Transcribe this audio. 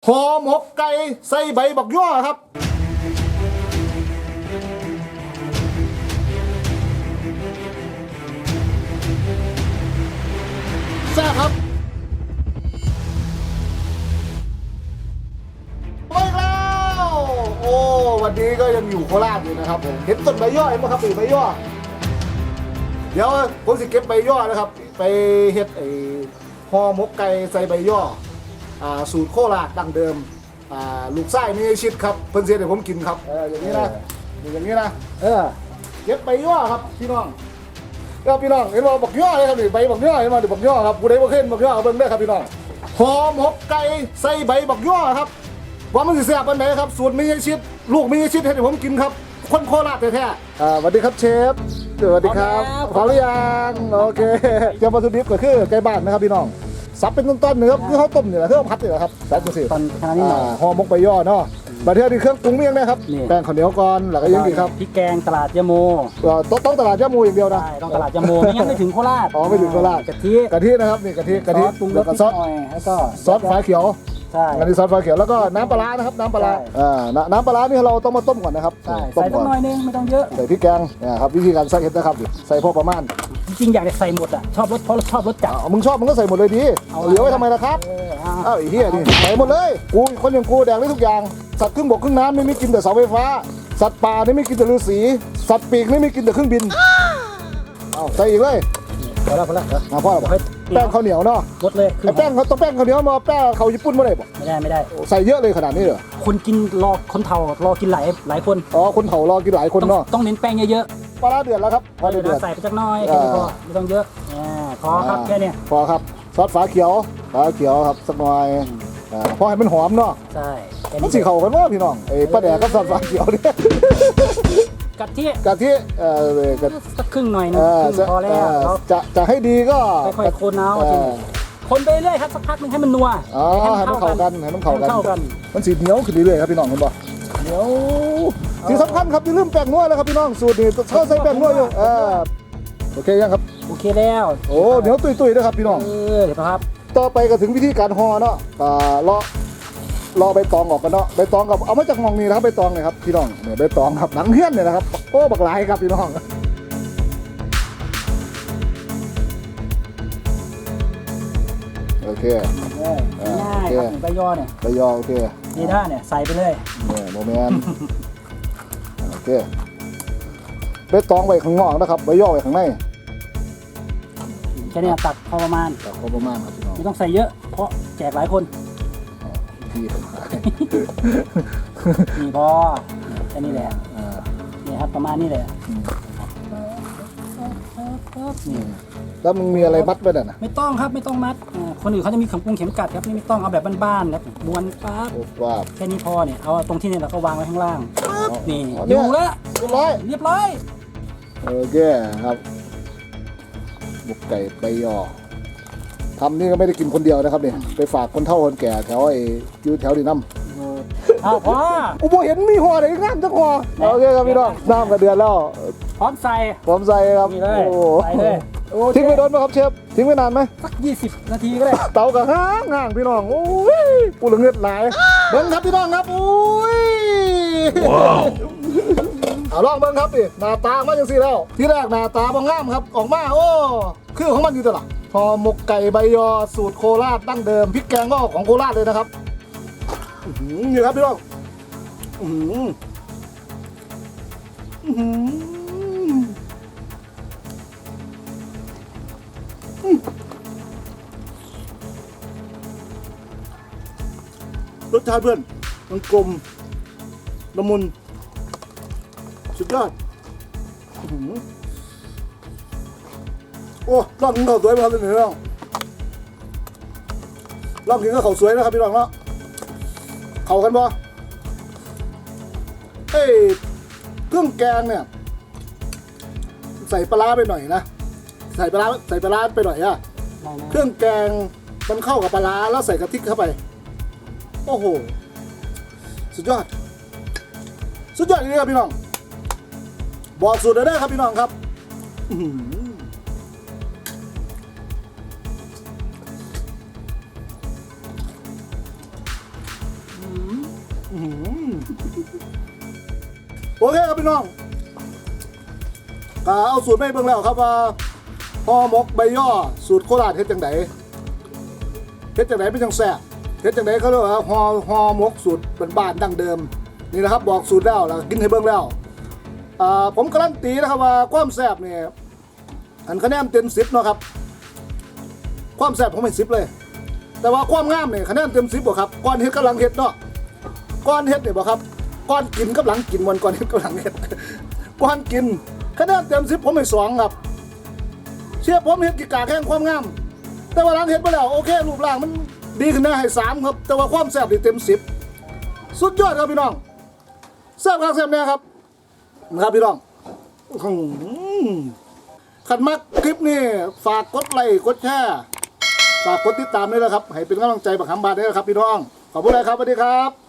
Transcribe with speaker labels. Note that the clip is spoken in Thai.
Speaker 1: ห่อหมกไก่ใส่ใบบักย่อครับแซ่บครับมาอีกแล้วโอ้วันนี้ก็ยังอยู่โคราชอยู่นะครับผมเห็นต้นใบย่อเห็นไหมครับใบย่อเดี๋ยวผมสิเก็บใบย่อนะครับไปเฮ็ดห่อหมกไก่ใส่ใบย่อสูตรโคราชดั้งเดิมลูกไส้ไม่ใช่ชิดครับเพิ่นเสียเดี๋ยวผมกินครับอย่างนี้นะอย่างนี้นะเก็บใบย่อครับพี่น้องแล้วพี่น้องเห็นว่าบักย่อเลยครับนี่ใบบักย่อเห็นว่าบักย่อครับผู้ใดบ่เคยเห็นบักย่อเบิ่งได้ครับพี่น้องห่อหมกไก่ใส่ใบบักย่อครับว่ามันสิแซ่บปานใดครับสูตรไม่ใช่ชิดลูกไม่ใช่ชิดให้ผมกินครับคนโคราชแท้ๆสวัสดีครับเชฟสวัสดีครับพร้อมหรือยังโอเคเตรียมวัตถุดิบก็คือไก่บ้านนะครับพี่น้องสับเป็นต้นๆเนื้อคือเขาต้มเนี่ยแหละคือเขาพัดเนี่ยแหละครับสับจังสิ
Speaker 2: ตอนขนาดนี้หน่อย
Speaker 1: ห่อหมกใบย่อเนาะมาเที่ยวที่เครื่องปรุงเมี่ยงนะครับแป้งข้าวเหนียวก่อนแล้วก็ยังดีครับ
Speaker 2: พริกแกงตลาดยะโม
Speaker 1: ต้องตลาดยะโมอย่างเดียวนะ
Speaker 2: ใช่ต้องตลาดยะโมไม่งั้นไม่ถึงโคราช
Speaker 1: ไม่ถึงโคราช
Speaker 2: กะทิ
Speaker 1: นะครับนี่กะทิ
Speaker 2: ปรุงรสนิดหน่อยแล้วก็
Speaker 1: ซอสฟ้าเขียว
Speaker 2: ใช่
Speaker 1: อันนี้ซอสฟ้าเขียวแล้วก็น้ำปลานะครับน้ำปลาน้ำปลานี่เราต้องมาต้มก่อนนะครับ
Speaker 2: ใช่ใส่สักหน่อยนึงไม่ต้องเยอะ
Speaker 1: ใส่พริกแกงนะครับวิธีการใส่เห็ดนะครับใส่พอประมาณ
Speaker 2: จริงๆอยากจะใส่หมดอ่ะชอบรสเพราะชอบรสจัด
Speaker 1: มึงชอบมึงก็ใส่หมดเลยดีเหลือไว้ทำไมล่ะครับอ้าวไอ้เหี้ยนี่ใส่หมดเลยกูคนอย่างกูแดงได้ทุกอย่างสัตว์ครึ่งบกครึ่งน้ำไม่กินแต่เสาไฟฟ้าสัตว์ป่านี่ไม่กินแต่ฤาษีสัตว์ปีกไม่กินแต่เครื่องบินใส่อีกเลย
Speaker 2: พอแล้วพอแล้ว
Speaker 1: พ่อบอกให้แป้งข้าวเหนียวเนาะ
Speaker 2: รสเลย
Speaker 1: แป้งเขาต้องแป้งข้าวเหนียวมาแป้งเขาญี่ปุ่นไม่ได้บอก
Speaker 2: ไม่ได้
Speaker 1: ใส่เยอะเลยขนาดนี้เหรอ
Speaker 2: คนกินรอคนเฒ่ารอกินหลายคน
Speaker 1: คนเฒ่ารอกินหลายคนเนาะ
Speaker 2: ต้องเน้นแป้งเยอะ
Speaker 1: ๆปลาเดือดแล้วครับ
Speaker 2: พอเดือดใส่ไปสักน้อยแค่นี้พอไม่ต้องเยอะพอครับแค่นี้
Speaker 1: พอครับซอสฟ้าเขียวครับสักหน่อยพอให้มันหอมเนาะ
Speaker 2: ใช่
Speaker 1: มันสีเขากันว่าพี่น้องปลาแดกกับซอสฟ้าเขียวเนี่ย
Speaker 2: กะทิสักครึ่งหน่อยนึงพอแล้ว
Speaker 1: จะให้ดีก็
Speaker 2: ค่อยๆคนเอาคนไปเรื่อยครับสักพักนึงให้มันนัว
Speaker 1: ให้มันเข้ากันมันสีเหนียวขึ้นเรื่อยๆครับพี่น้องเห็นป่ะเหนียวที่สำคัญครับอย่าลืมแป้งนัวแล้วครับพี่น้องสูตรนี้เขาใส่แป้งนัวอยู่โอเคยังครับ
Speaker 2: โอเคแล้ว
Speaker 1: เหนียวตุยๆนะครับพี่น้อง
Speaker 2: เห็นไหมครับ
Speaker 1: ต่อไปก็ถึงวิธีการห่อเนาะรอใบตองออกกันเนาะใบตองกับเอามาจากมองนี่นะครับใบตองเนี่ยครับพี่น้องเนี่ยใบตองครับหนังเฮี้ยนเนี่ยนะครับโอ้บักหลายครับพี่น้องโอเค
Speaker 2: ง่ายครับใบยอเนี่ย
Speaker 1: ใบยอโอเค
Speaker 2: นี่ท่าเนี่ยใส่ไปเลย
Speaker 1: เนี่ยโมเมนต์โอเคใบตองไว้ข้างนอกนะครับใบยอไว้ข้างใน
Speaker 2: แค่นี้ตัดพอประมาณ
Speaker 1: ครับพี่น้อง
Speaker 2: ไม่ต้องใส่เยอะเพราะแจกหลายคนนี่พอแค่นี้แหละนี่ครับประมาณนี้แหละ
Speaker 1: นี่แล้วมึงมีอะไรมัดไว้น่ะ
Speaker 2: ไม่ต้องครับไม่ต้องมัดคนอื่นเขาจะมีเข็มเข็มกัดครับนี่ไม่ต้องเอาแบบบ้านๆครับม้วนปั๊บแค่นี้พอเนี่ยเอาตรงที่เนี่ยเราก็วางไว้ข้างล่างนี่อยู่แล้วเรียบร้อย
Speaker 1: โอเคครับบุกไก่ใบยอทำนี่ก็ไม่ได้กินคนเดียวนะครับเนี่ยไปฝากคนเฒ่าคนแก่แถวอยู่แถวดีน้ำ
Speaker 2: พ่อ
Speaker 1: อุโบเห็นมีห่อไหนงามจังห่อโอเคครับพี่น้องน้ำกระเดือนแล้ว
Speaker 2: พร้อมใส่
Speaker 1: ครับ
Speaker 2: ใส่เลย
Speaker 1: ทิ้งไปโดนไหมครับเชฟทิ้งไปนานไหม
Speaker 2: สัก20 นาทีก็ได้
Speaker 1: เตากระห้างพี่น้องโอ้ยปูเหลืองเงือดไหลเบิ้งครับพี่น้องครับโอ้ยลองเบิ้งครับดิหน้าตามาอย่างสี่แล้วที่แรกหน้าตาบางงามครับออกมาโอ้คือของมันอยู่ตลอดพอหมกไก่ใบยอสูตรโคราชดั้งเดิมพริกแกงก็ของโคราชเลยนะครับนี่ครับพี่น้องรสชาติเพื่อนมันกลมละมุนสุดยอดโอ้ลองกินข้าวสวยมาครับพี่น้องลองกินข้าวสวยนะครับพี่น้องเนาะเข้ากันบ่เครื่องแกงเนี่ยใส่ปลาไปหน่อยนะใส่ปลาไปหน่อยอะเครื่องแกงมันเข้ากับปลาแล้วใส่กะทิเข้าไปโอ้โหสุดยอดจริงๆครับพี่น้องบอกสูตรได้ครับพี่น้องครับโอเคครับพี่น้องก็เอาสูตรไม่เบิ่งแล้วครับว่าห่อหมกใบย่อสูตรโคราชเฮ็ดจังไดเป็นจังแซ่บเฮ็ดจังไดเขาเรียกว่าห่อหมกสูตรบ้านๆดั้งเดิมนี่นะครับบอกสูตรแล้วกินให้เบิ่งแล้วผมการันตีนะครับว่าความแซ่บเนี่ยอันคะแนนเต็ม10เนาะครับความแซ่บผมให้10เลยแต่ว่าความงามเนี่ยคะแนนเต็ม10บ่ครับก่อนเฮ็ดกับหลังเฮ็ดเนาะก่อนเฮ็ดเนี่ยบ่ครับก่อนกินกับหลังกินวันก่อนเฮ็ดกับหลังเฮ็ดก่อนกินคะแนนเต็ม10ผมให้2ครับเชื่อผมเฮ็ดกิกาแข่งความงามแต่ว่าหลังเฮ็ดไปแล้วโอเครูปร่างมันดีขึ้นนะให้3ครับแต่ว่าความแซ่บนี่เต็ม10สุดยอดครับพี่น้องแซ่บครับแซ่บแน่ครับนะครับพี่น้องขันมักคลิปนี้ฝากกดไลค์กดแชร์ฝากกดติดตามด้วยนะครับให้เป็นกำลังใจบักหำบาทด้วยนะครับพี่น้องขอบคุณเลยครับสวัสดีครับ